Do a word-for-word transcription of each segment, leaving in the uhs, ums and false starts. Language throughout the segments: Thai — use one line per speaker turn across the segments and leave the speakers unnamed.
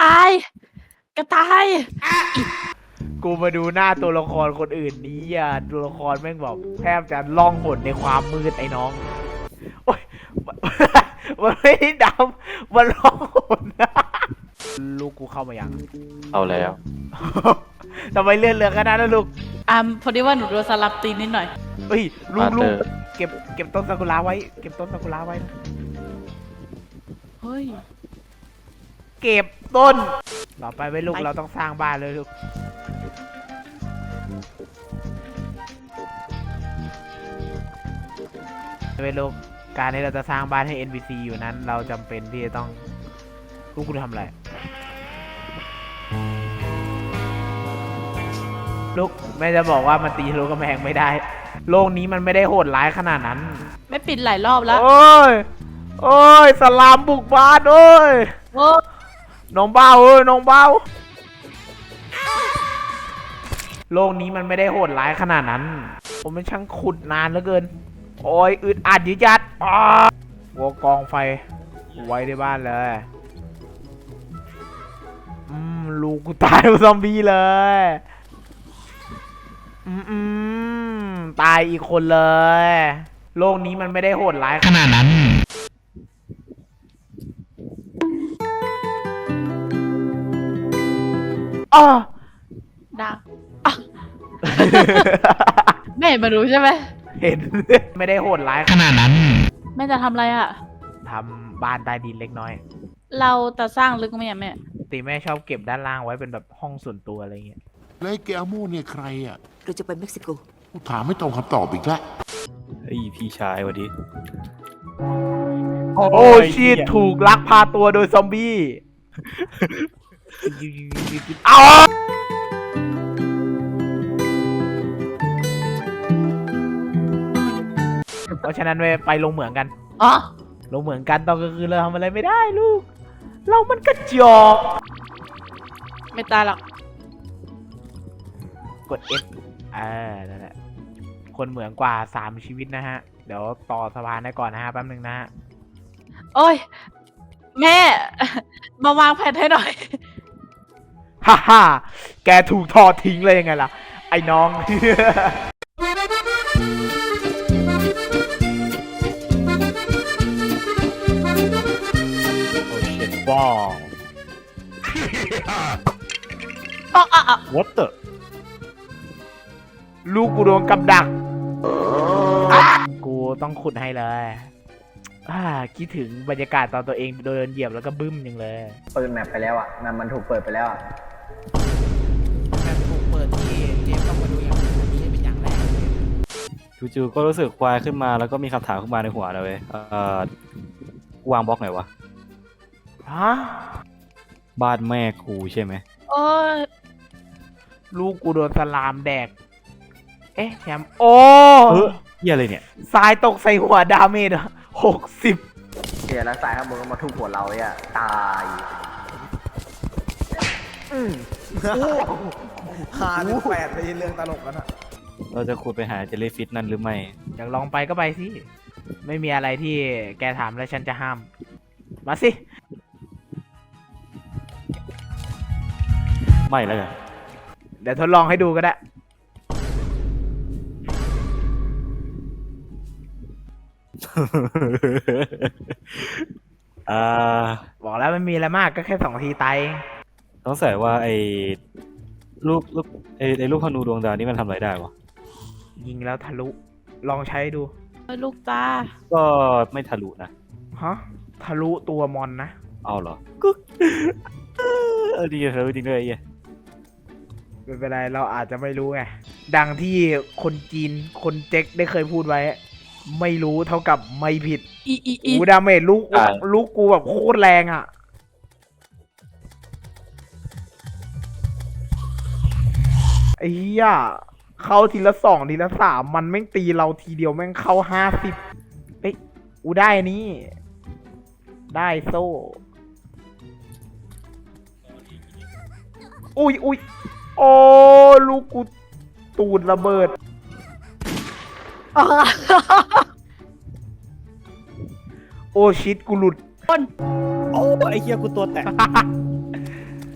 ต่ายกระต่าย
กูมาดูหน้าตัวละครคนอื่นนี้อ่ะตัวละครแม่งบอกแทบจะล่องหนในความมืดไอ้น้องโอ้ยมันไม่ได้ดำมันล่องหนลูกกูเข้ามายัง
เอาแล้ว
ทำไมเลื่อนเรือขนาดนั้นลูก
อ่าพอดีว่าหนูโดนสลับตีนนิดหน่อย
เฮ้ยลูก
มา
ลู
เถ
ก
อะ
เก็บเก็บต้นซากุระไว้เก็บต้นซากุระไว้นะ
เฮ้ย
เก็บต้นต่อไปไว้ลูกเราต้องสร้างบ้านเลยลูกไว้ลูกการที่เราจะสร้างบ้านให้ เอ็น พี ซี อยู่นั้น เราจำเป็นที่จะต้องลูกกูทำอะไรลูกแม่จะบอกว่ามันตีทะลุกำแพงไม่ได้ โลกนี้มันไม่ได้โหดร้ายขนาดนั้น
ไม่ปิดหลายรอบแล้ว
โอ้ยโอ้ยสลามบุกบ้านโอ้ย
โอ้
น้องเบ้าเอ้ยน้องเบ้าโลกนี้มันไม่ได้โหดร้ายขนาดนั้น ผมมันช่างขุดนานเหลือเกินโอ้ยอึดอัดยืดยัดอ้าวัวกองไฟไว้ในบ้านเลยอืมลูกกูตายเป็นซอมบี้เลยอืมอืมตายอีกคนเลยโลกนี้มันไม่ได้โหดร้ายขนาดนั้นอ้อ
ดังอ่ะ แม่เห็นมารู้ใช่ไหม
เห็น ไม่ได้โหดร้ายขนาดนั้น
แม่จะทำอะไรอ่ะ
ทำบ้านใต้ดินเล็กน้อย
เราจะสร้างลึกไหมอ่ะแม่
ตีแม่ชอบเก็บด้านล่างไว้เป็นแบบห้องส่วนตัวอะไรเงี้ย
แล้วไอ้เกอาโม่เนี่ยใครอ่ะ
เราจะไปเม็กซิโก
กูถามไม่ตรงคำตอบอีกแล้ว
เฮ้ยพี่ชายสวัสดี
โอ้ชีตถูกลักพาตัวโดยซอมบี้ เอาเพราะฉะนั้นไปลงเหมืองกัน
อ๋อ
ลงเหมืองกันตอนกลางคืนเราทำอะไรไม่ได้ลูก เรามันกระจอก
ไม่ตายหรอก
กด F อ่านั่นแหละคนเหมืองกว่าสามชีวิตนะฮะ เดี๋ยวต่อสะพานได้ก่อนนะฮะแป๊บนึงนะฮะ
โอ้ย แม่ มาวางแผนให้หน่อย
ฮ่าฮ่าแกถูกทอดทิ้งเลยยังไงล่ะ ไอ้น้อง
โอ้เช็ดบ้า
อ๋ออ๋ออ๋อ
what the
ลูกกูโดนกับดัก กูต้องขุดให้เลยอ่าคิดถึงบรรยากาศตอนตัวเองโดนเหยียบแล้วก็บึ้มยังเลย
เปิดแมปไปแล้วอ่ะแมปมันถูกเปิดไปแล้วอ่ะ
มันถูกเปิดที่เจมต้องมาดูอย่างนี้เป็นอย่างแรก
จู่ๆก็รู้สึกควายขึ้นมาแล้วก็มีคำถามขึ้นมาในหัวนะเว้ยเอ่อวางบล็อกไหนวะ
ฮะ
บ้านแม่กูใช่ไหม
โอ้ย
ลูกกูโดนสลามแดก เอ๊ะแชมป์โอ้
เออเหี้ยอะไรเนี่ย
ทรายตกใส่หัวดาเมจหกสิบ
เดี๋ยวแล้วสายข้างบนก็มาทุบหัวเราเนี่ยตายอืม
หาถึงแปดไปเรื่องตลกกันอะ
เราจะขุดไปหาเจลลี่ฟิชนั่นหรือไม่
อยากลองไปก็ไปสิ ไม่มีอะไรที่แกถามแล้วฉันจะห้าม มาสิ
ไม่แล้วกัน
เดี๋ยวทดลองให้ดูก็ได้
อ่า
บอกแล้วไม่มีอะไรมากก็แค่สองทีตายเอง
ต้องใส่ว่าไอ้ลูกลูกไอ้ไอ้ลูกธนูดวงดาวนี่มันทำอะไรได้วะ
ยิงแล้วทะลุ ลองใช้ดู
ลูกตา
ก็ไม่ทะลุนะ
ฮะ ทะลุตัวมอนนะ
เอาเหรอก็เออดีทะลุจริงด้วยไอ้เหี้ย
ไม่เป็นไรเราอาจจะไม่รู้ไง ดังที่คนจีนคนเจ๊กได้เคยพูดไว้ ไม่รู้เท่ากับไม่ผิด
อีอีอี
กูดาเมจลูกลูกกูแบบโคตรแรงอ่ะไอ้เหี้ยเข้าทีละสองทีละสามมันแม่งตีเราทีเดียวแม่งเข้าห้าสิบเอ้ยอูได้นี่ ได้โซ่ อุ้ยอุ้ยโอ้ลูกกูตูดระเบิด โอ้ชิดกูหลุด
โอ้ไอ้เหี้ยกูตัวแตก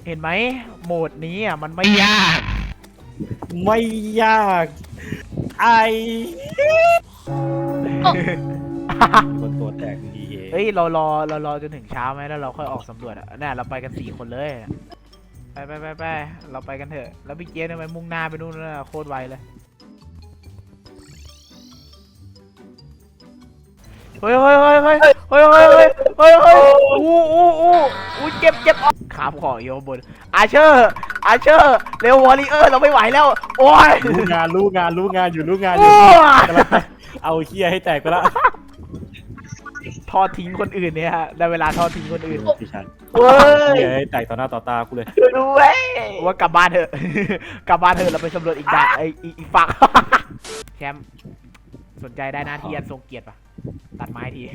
เห็นไหมโหมดนี้อ่ะมันไม่ยาก
ไม่ยากไอคนตัวแตกดีเอ
เฮ้ยเรารอเรารอจนถึงเช้าไหมแล้วเราค่อยออกสำรวจอ่ะเนี่ยเราไปกันสี่คนเลยน่ะไปไปไปไปเราไปกันเถอะแล้วพี่เจสทำไมมุ่งหน้าไปนู่นน่ะโคตรไวเลยเฮ้ยเฮ้ยเฮ้ยเฮ้ยเฮ้ยเฮ้ยเฮ้ยเฮ้ยเฮ้ยอู้อู้อู้อู้เจ็บเจ็บขาขอโยบนอาเชอร์อาเชอร์เร็ววอริเออร์เราไม่ไหวแล้วโอ้ย
รู้งานรู้งานรู้งานอยู่รู้งานอ
โอ้
ยู่
ย
กำลังเอาเฮียให้แตกไปละ
ทอดทิ้งคนอื่นเนี่ยฮะได้เวลาทอดทิ้งคนอื่น
พี่ชัน
เว้ย
เฮียให้แตกต่อหน้าต่อตากูเลย
ด้วย
ว่ากลับบ้านเถอะ กลับบ้านเถอะเราไปสำรวจอีกด่านไออีกอีกฝั่ง แชมป์สนใจได้หน้าที่อันทรงเกียรติปะตัดไม้ที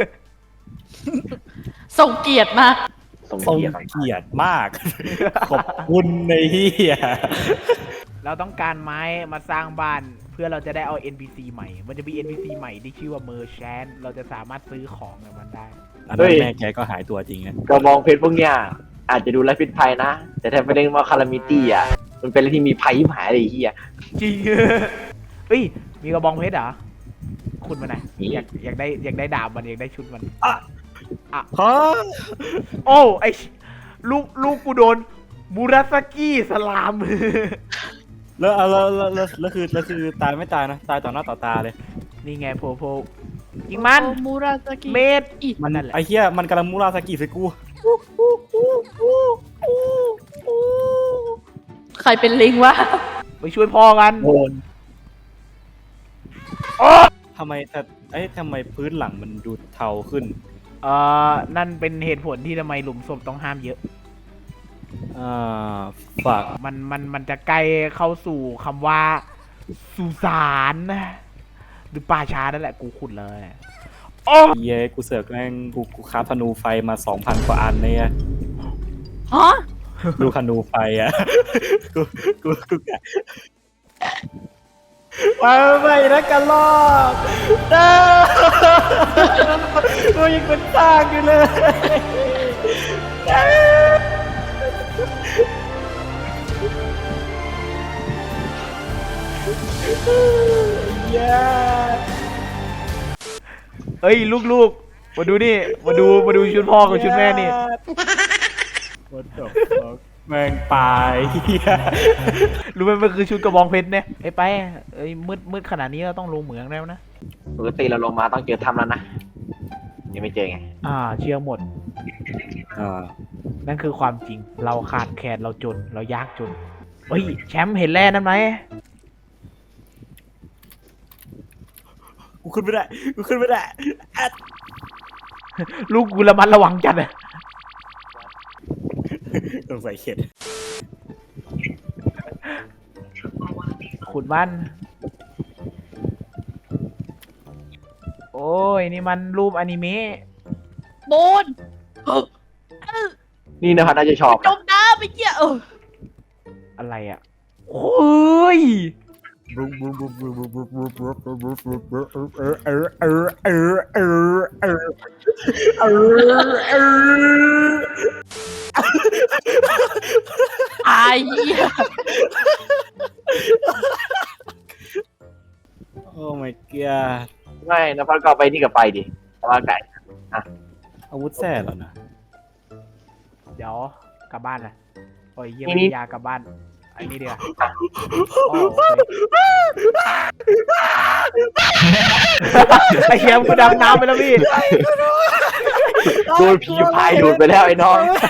ส่งเกียรติมาก
ส่ง
ทรง
เกียรติ
เกียรติมาก ขอบคุณในเฮีย
เราต้องการไม้มาสร้างบ้านเพื่อเราจะได้เอา เอ็น พี ซี ใหม่ มันจะมี เอ็น พี ซี ใหม่ที่ชื่อว่า Merchant เราจะสามารถซื้อของกับมันได้
อันนั้นแม่แกก็หายตัวจริงนะ
กระบองเพชรพวกเนี้ยอาจจะดูไร้พิษภัยนะ แต่ถ้าไปเล่นว่าคารามิตี้อ่ะมันเป็นอะไรที่มีภัยยิ่งหายเลยไอ้เฮีย
จริง เฮ้ย มีกระบองเพชรเหรอ คุณมันไหน
มี
อยากอยากได้อยากได้ดาบมันอยากได้ชุดมัน
ฮะ
โอ้ไอชิลูกลูกกูโดนมูราสกิสลาม
แล้วแล้วแล้วแล้วแล้วคือแล้วคือตายไม่ตายนะตายต่อหน้าต่อตาเลย
นี่ไงโพโพยิงมัน
โอมูราซากิ
เมด
อีก
มัน
นั่นแหละ
ไอเฮียมันกำลังมูราสกิใส่กู
ใครเป็นลิงวะ
ไปช่วยพ่อกัน
โอน
ทำไมแต่ไอ้ยทำไมพื้นหลังมันดูเทาขึ้น
เอ่อ นั่นเป็นเหตุผลที่ทำไมหลุมศพต้องห้ามเยอะ
อ่าฝาก
มันมันมันจะใกล้เข้าสู่คำว่าสุสานหรือป่าช้านั่นแหละกูขุดเลย
เย้กูเสือกแม่งกูกูคราฟธนูไฟมาสองพันกว่าอันเนี่ย
ฮะ
ดูธนูไฟอ่ะ กูกูกูกะไปไม่นะกันลอกเด้อกูยังเป็นสร้างอยู่เลยเย้
เฮ้ยลูกๆ มาดูนี่ มาดูมาดูชุดพ่อกับชุดแม่นี่
What the fuck แม่งตายเหี้ย
รู้ไหมมันคือชุดกระบองเพชรเนี่ยไอ้ไปเอ้ยมืดมืดขนาดนี้เราต้องลงเหมืองแล้วนะ
ปกติเราลงมาต้องเจอถ้ำแล้วนะยังไม่เจอไง
อ่า เชื่อหมด
อ่า
นั่นคือความจริง เราขาดแคลนเราจน เรายากจน เฮ้ย แชมป์เห็นแร่นั่นไหม
กูขึ้นไม่ได้ กูขึ้นไม่ได้
ลูกกูระมัดระวังจัดอะ
ต้องใส่เข็ด
ขุดมัน โอ้ย นี่มันรูปอนิเมะ
โบน
นี่นะครับน่าจะชอบ
จมน้ำไปเกี้ยเออ
อะไรอ่ะ โอ้ย
อายเหี้ย
โอ้ my god
ไม่นะพัดก็เอาไปนี่กับไปดิเพราะว่าไก่
อาวุธแท้เหรอนะ
เดี๋ยวกลับบ้านนะโอ้ยเยี่ยม
นี่นี่
ยากลับบ้านไอ้นี่เดียวโอ้โอเคไอ้เหี้ยกูดำน้ำไปแล้วพี่
โดนผีพายดูดไปแล้วไอ้น้อง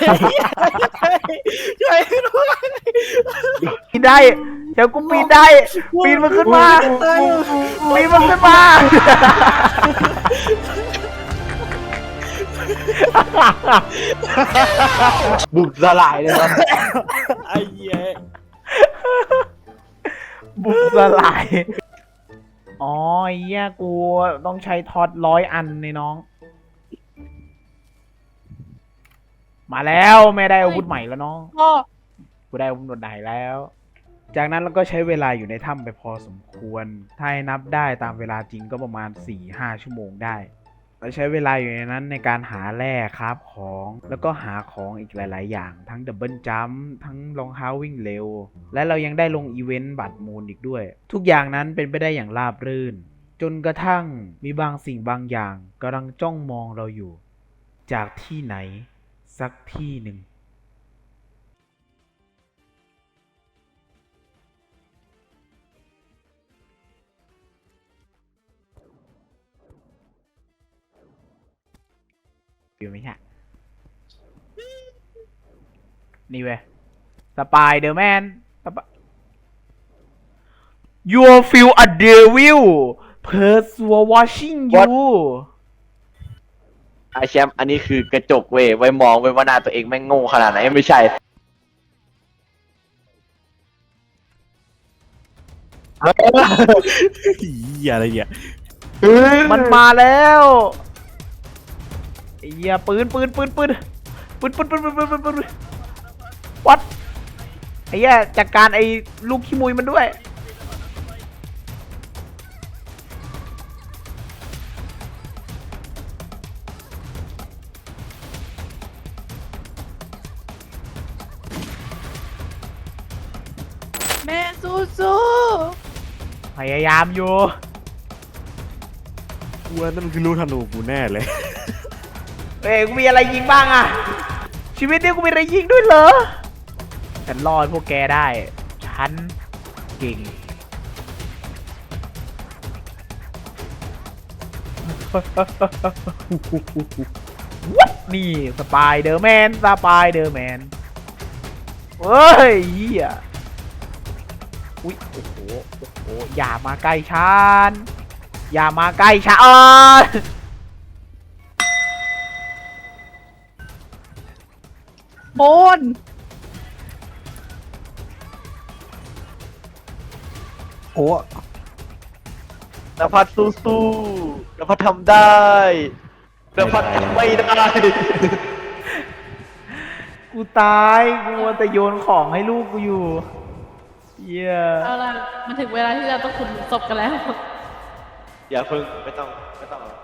ปีนได้เดี๋ยวกูปีนได้ ปีนมันขึ้นมา ปีนมันขึ้นมา
บุกสลายเลยครับ
ไอ้เหี้ย
บุกสลาย อ๋อไอ้เหี้ยกูต้องใช้ท็อตร้อยอันในน้อง มาแล้วไม่ได้อาวุธใหม่แล้วน้อง
พ่อ
กูได้อาวุธใหม่แล้ว จากนั้นเราก็ใช้เวลาอยู่ในถ้ำไปพอสมควร ถ้าให้นับได้ตามเวลาจริงก็ประมาณสี่ห้าชั่วโมงได้ เอเราใช้เวลาอยู่ในนั้นในการหาแร่ครับของแล้วก็หาของอีกหลาย ๆ อย่างทั้งดับเบิลจัมป์ทั้งรองเท้าวิ่งเร็ว และเรายังได้ลงอีเวนต์บัตรมูลอีกด้วย ทุกอย่างนั้นเป็นไปได้อย่างราบรื่น จนกระทั่งมีบางสิ่งบางอย่างกำลังจ้องมองเราอยู่ จากที่ไหน สักที่หนึ่ง อยู่ไหมฮะนี่เว้ยสปายเดอร์แมน You feel a devil pursuing watching you
ไอแชมป์อันนี้คือกระจกเว้ยไว้มองไว้ว่าหน้าตัวเองแม่งโง่ขนาดไหนไม่ใช่
เหี้ยอะไรเนี่ย
มันมาแล้วไอ้เหี้ยปืนปืนปืนปืนปืนปืนปืนปืนปืนปืนปืนวัดไอ้เหี้ยจัดการไอ้ลูกขี้มุยมันด้วย
แม่สู้สู้
พยายามอยู่
กูว่านั่นคือลูกธนูกูแน่เลย
เอ้ยกูมีอะไรยิงบ้างอะชีวิตนี้กูมีอะไรยิงด้วยเหรอฉันรอดพวกแกได้ ฉันเก่ง วัดนี่สปายเดอร์แมนสปายเดอร์แมนเฮ้ยเหี้ยอุ้ยโอ้โหโอ้โหอย่ามาใกล้ฉันอย่ามาใกล้ฉัน
โอน
โอ้
นภัสสู้ๆนภัสทำได้นภัสทำไม่ได้
กูตายกูมัวแต่โยนของให้ลูกกูอยู่เหี้ย
เอาล่ะมันถึงเวลาที่เราต้องขุดศพกันแล้ว
อย่าเพิ่งไม่ต้องไม่ต้อง